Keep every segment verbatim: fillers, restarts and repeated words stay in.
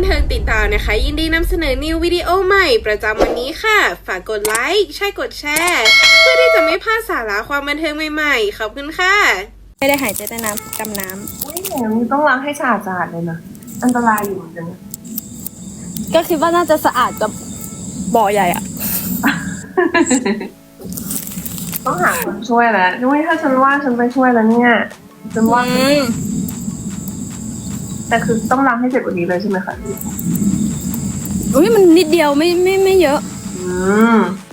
เทิงติดตามนะคะยินดีนำเสนอนิววิดีโอใหม่ประจำวันนี้ค่ะฝากกดไลค์ใช่กดแชร์เพื่อที่จะไม่พลาดสาระความบันเทิงใหม่ๆขอบคุณค่ะไม่ได้หายใจใต้น้ำดำน้ำอุ้ยแหมมันต้องล้างให้สะอาดสะอาดเลยนะอันตรายอยู่เหมือนกันนะก็คิดว่าน่าจะสะอาดกับบ่อใหญ่อะต้องหาคนช่วยแล้วนุ้ยถ้าฉันว่าฉันไปช่วยแล้วเนี่ยฉันว่าแต่คือต้องล้างให้เสร็จกว่านี้เลยใช่ไหมคะอุ้ยมันนิดเดียวไม่ไม่ไม่เยอะอืม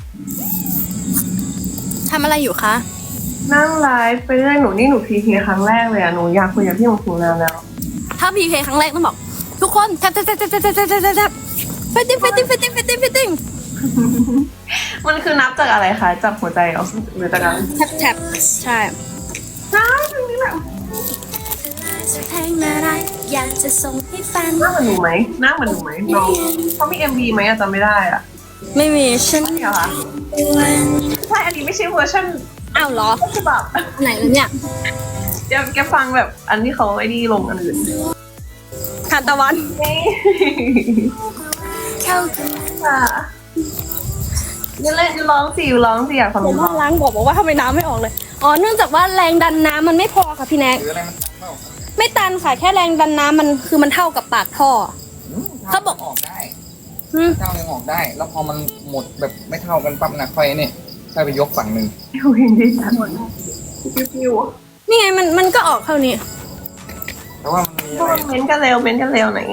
ทำอะไรอยู่คะนั่งไลฟ์ไปเรื่อยหนูนี่หนูพีพีครั้งแรกเลยอะหนูอยากคุยกับพี่หงถึงนานแล้วถ้าพีเคครั้งแรกต้องบอกทุกคนแทบแทบแทบแทบแทบแทบแทบแทบเฟตติ้งเฟตติ้งเฟตติ้งเฟตติ้งเฟตติ้งมันคือนับจากอะไรคะจากหัวใจเหรอหรือจากอะไรแทบแทบใช่ใช่ตรงนี้แหละเพลงอะไรอยากจะส่งให้ฟังหน้าเหมือนหนูไหมหน้าเหมือนหนูไหมน้องเขามีเอ็มวีไหมอะจำไม่ได้อะไม่มีฉันไม่เหรอคะใช่อันนี้ไม่ใช่เวอร์ชันอ้าวเหรอฉบับไหนแล้วเนี่ยเดี๋ยวแกฟังแบบอันที่เขาไอ้นี่ลงอันอื่นทานตะวันค่ะนี่เล่นร้องสิร้องสิอยากฟังผมว่าล้างบอกบอกว่าทำไมน้ำไม่ออกเลยอ๋อเนื่องจากว่าแรงดันน้ำมันไม่พอค่ะพี่แน็กไม่ตันค่ะแค่แรงดันน้ำมันคือมันเท่ากับปากท่อเขาบอกออกได้เท่ายังออกได้แล้วพอมันหมดแบบไม่เท่ากันปั๊บนะค่อยเนี่ยค่อยไปยกฝั่งหนึ่งอยู่เห็นดิฉันหมดปิ้วๆนี่ไงมันมันก็ออกเท่านี้แต่ว่ามันมีอะไรเม้นกันเร็วเม้นกันเร็วไหน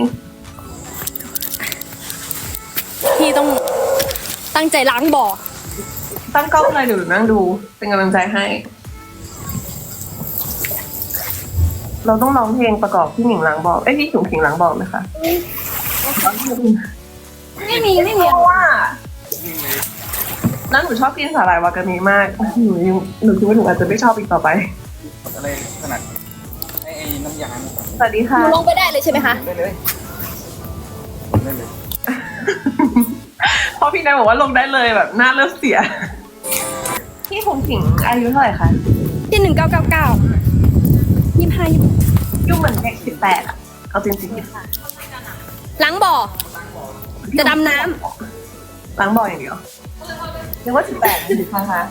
พี่ต้องตั้งใจล้างบ่อตั้งกล้องเลยเดี๋ยวนั่งดูเป็นกำลังใจให้เราต้องร้องเพลงประกอบพี่หนิงล้างบ่อเอ้ยพี่ถุงขิงล้างบ่อไหมคะไม่มีไม่มีเพราะว่านั่นหนูชอบกินสาหร่ายวากามิมากหนูยังหนูคิดว่าหนูอาจจะไม่ชอบอีกต่อไปอะไรขนาดไอ้น้ำยาสวัสดีค่ะลงไปได้เลยใช่ไหมคะได้เลยได้เลยเพราะพี่นายบอกว่าลงได้เลยแบบหน้าเริ่มเสียพี่ถุงขิงอายุเท่าไหร่คะที่หนึ่งเก้าเก้าเก้ายี่ห้ายี่ยุ่งเหมือนเด็กสิบแปดอะเอาจริงๆค่ะล้างบ่อจะดำน้ำล้างบ่ออย่างเดียวนึกว่าสิบแปดสิบห้าคะ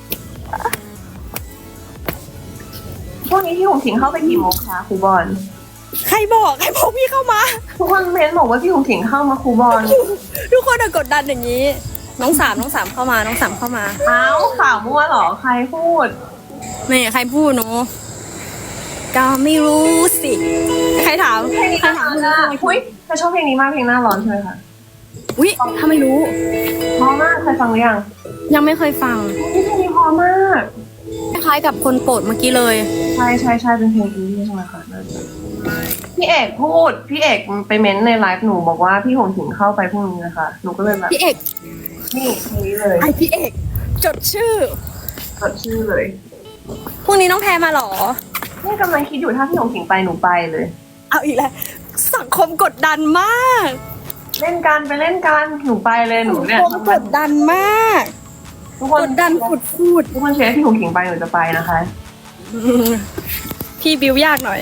พวกนี้ที่ผมถิงเข้าไปกี่โมงคะครูบอลใครบอกใครบอกพี่เข้ามาทุกคนเม้นบอกว่าพี่ผมถิงเข้ามาครูบอลทุกคนกดดันอย่างนี้น้องสามน้องสามเข้ามาน้องสามเข้ามาเอ้าข่าวมั่วหรอใครพูดไม่ใครพูดหนูก็ไม่รู้สิใครถามใครถามอ่ะอุ้ยเธอชอบเพลงนี้มากเพลงหน้าร้อนใช่ไหมคะอุ้ยถ้าไม่รู้พอมากเคยฟังหรือยังยังไม่เคยฟังเพลงนี้พอมากคล้ายกับคนโปรดเมื่อกี้เลยใช่ใช่ใช่เป็นเพลงนี้ใช่ไหมคะพี่เอกพูดพี่เอกไปเม้นในไลฟ์หนูบอกว่าพี่หงถิงเข้าไปพรุ่งนี้นะคะหนูก็เลยแบบพี่เอกนี่เพลงนี้เลยไอพี่เอกจดชื่อจดชื่อเลยพรุ่งนี้น้องแพรมาหรอนี่กำลังคิดอยู่ถ้าพี่หงถิงไปหนูไปเลยเอาอีกแล้วสังคมกดดันมากเล่นกันไปเล่นกันหนูไปเลยหนูเนี่ยสังคมกดดันมากทุกคนกดดันพูดพูดทุกคนเชียร์ให้พี่หงถิงไปหนูจะไปนะคะพี่บิวยากหน่อย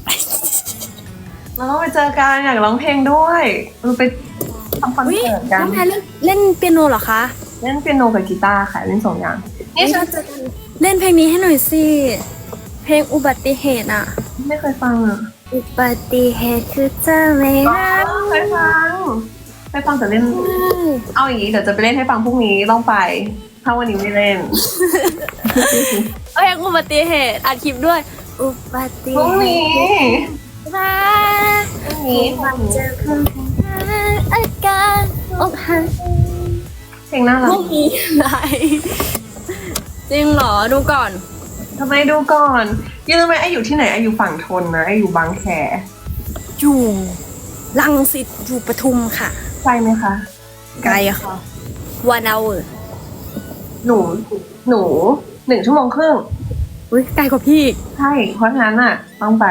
เราต้องไปเจอกันอยากร้องเพลงด้วยเราไปทำคอนเสิร์ตกันน้องแพรเล่นเล่นเปียโนเหรอคะเล่นเปียโนกับกีตาร์ค่ะเล่นสองอย่างนี่ฉันจะเล่นเพลงนี้ให้หน่อยสิเพลงอุบัติเหตุอ่ะไม่เคยฟังอ่ะอุบัติเหตุคือเธอไม่รักเคยฟังเคยฟังแต่เล่นเอาอย่างนี้เดี๋ยวจะไปเล่นให้ฟังพรุ่งนี้ต้องไปถ้าวันนี้ไม่เล่นเพลงอุบัติเหตุอัดคลิปด้วยอุบัติเหตุพรุ่งนี้รักพรุ่งนี้มันจะคงอาการอกหักเพลงน่ารักไม่มีอะไรจริงเหรอดูก่อนทำไมดูก่อนยังรู้ไหมไออยู่ที่ไหนไออยู่ฝั่งทนนะไออยู่บางแคอยู่รังสิตอยู่ปทุมค่ะไกลไหมคะไกลอะค่ะวันเอาหนูหนูหนึ่งชั่วโมงครึ่งอุ้ยไกลกว่าพี่ใช่เพราะฉะนั้นอ่ะต้องไป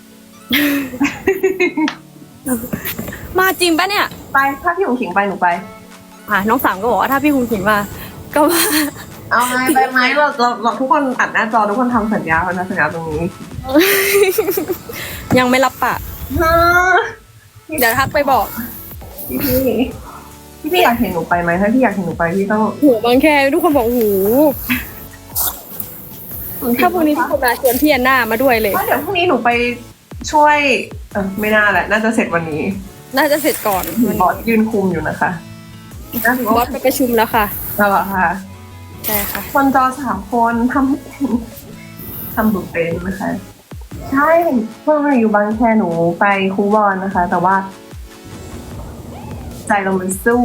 มาจริงปะเนี่ยไปถ้าพี่หงขิงไปหนูไปอ่ะน้องสามก็บอกว่าถ้าพี่หงขิงมาก็ว่าเอาไงไปไหมเราเราเราทุกคนอัดหน้าจอทุกคนทำสัญญาพันธสัญญาตรงนี้ยังไม่รับปะเดี๋ยวทักไปบอกพี่พี่พี่พี่อยากเห็นหนูไปไหมถ้าพี่อยากเห็นหนูไปพี่ต้องโหบางแคทุกคนบอกโหถ้าพรุ่งนี้ทุกคนมาชวนพี่แอนนามาด้วยเลยว่าเดี๋ยวพรุ่งนี้หนูไปช่วยเออไม่น่าแหละน่าจะเสร็จวันนี้น่าจะเสร็จก่อนวันบอนี้สยืนคุมอยู่นะคะน่าจะบอสไปประชุมแล้วค่ะน่ารักค่ะใช่ค่ะคนจอสามคนทำไม่เป็นทำบุกเป็นนะคะ ใช่เมื่อมาอยู่บางแคหนูไปคูบอลนะคะ แต่ว่า ใจเรามันสู้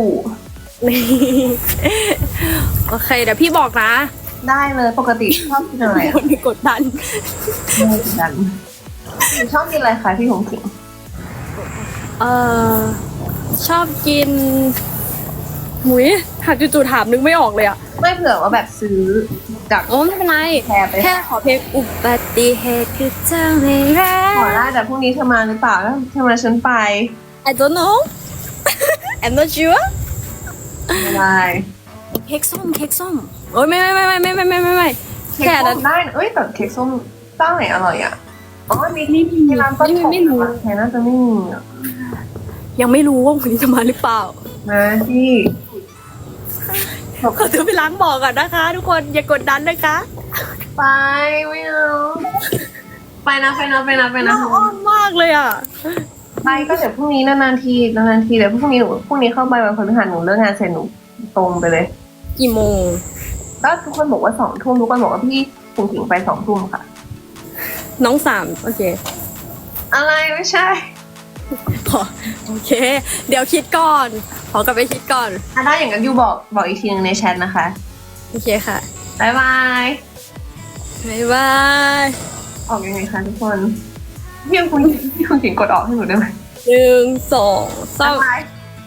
โอเค เดี๋ยวพี่บอกนะได้เลยปกติชอบกินอะไรคนกดดันไม่กดดันชอบกินอะไรคะพี่หงสิงเออชอบกินหมุยหากจู่ๆถามนึกไม่ออกเลยอะไม่เผื่อว่าแบบซื้อจากโอ้ไม่เป็นไรแชร์ไปแค่ขอเพลงอุบัติเหตุคือเจ้าไม่รัขอก ได้แต่พรุ่งนี้เธอมาหรือเปล่าแล้วเธอมาฉันไป I don't know I'm not sure ไม่ได้เค้กส้มเค้กส้มโอ้ยไม่ไม่ไม่ไม่ไม่ไม่ไม่ไม่ไม่เค้กแค่ส้นั้นมได้นะเอ้ยแต่เค้กส้มเจ้าไหนอร่อยอ่ะอ๋อมีนี่ที่ร้านต้นนี่ผมไม่รู้แค่น่าจะไม่มีอะยังไม่รู้ว่าวันนี้จะมาหรือเปล่านะพี่ขอตัวไปล้างบ่อก่อนนะคะ ทุกคนอย่ากดดันนะคะไปไม่เอาไปนะไปนะไปนะไปนะน่าอ้อนมากเลยอ่ะไปก็เดี๋ยวพรุ่งนี้นานๆทีนานๆทีเดี๋ยวพรุ่งนี้หนูพรุ่งนี้เข้าไปวันพฤหัสหนูเลิกงานเสร็จหนูตรงไปเลยกี่โมงก็ทุกคนบอกว่าสองทุ่มทุกคนบอกว่าพี่ถึงถึงไปสองทุ่มค่ะน้องสามโอเคอะไรไม่ใช่ขอโอเค เดี๋ยวคิดก่อน ขอกลับไปคิดก่อนถ้าได้อย่างนั้นยูบอกบอกอีกทีนึงในแชทนะคะโอเคค่ะบายบายบ๊ายบายออกยังไงคะทุกคนพี่คุณพี่คุณถิงกดออกให้หนูได้ไหมหนึ่งสองสามบาย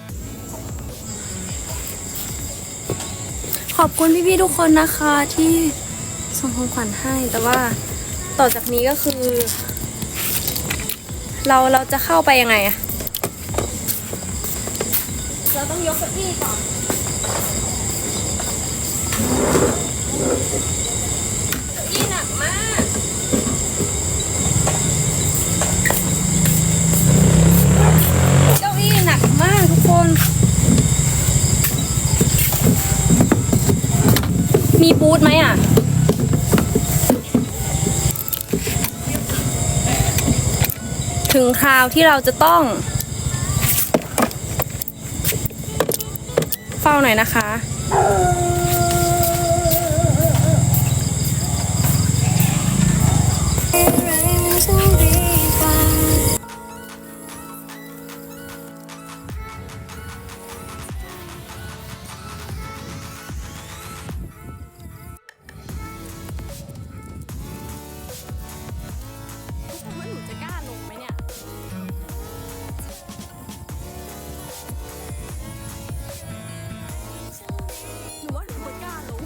ขอบคุณพี่ๆทุกคนนะคะที่ส่งของขวัญให้ แต่ว่าต่อจากนี้ก็คือ เราเราจะเข้าไปยังไงอะเราต้องยกเก้าอี้ก่อนเก้าอี้หนักมากเก้าอี้หนักมากทุกคน มีบูธไหมอ่ะ ถึงคราวที่เราจะต้อง เฝ้าหน่อยนะคะ ว่าหนูจะกล้าลงไหมเนี่ย หนูว่าหนูไม่กล้าลง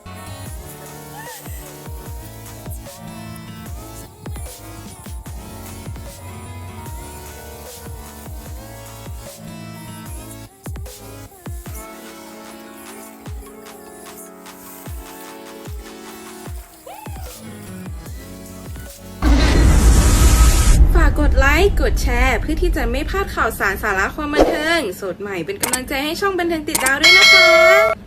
ฝากกดไลค์ กดแชร์ เพื่อที่จะไม่พลาดข่าวสารสาระความบันเทิง สดใหม่เป็นกำลังใจให้ช่องบันเทิงติดดาวด้วยนะคะ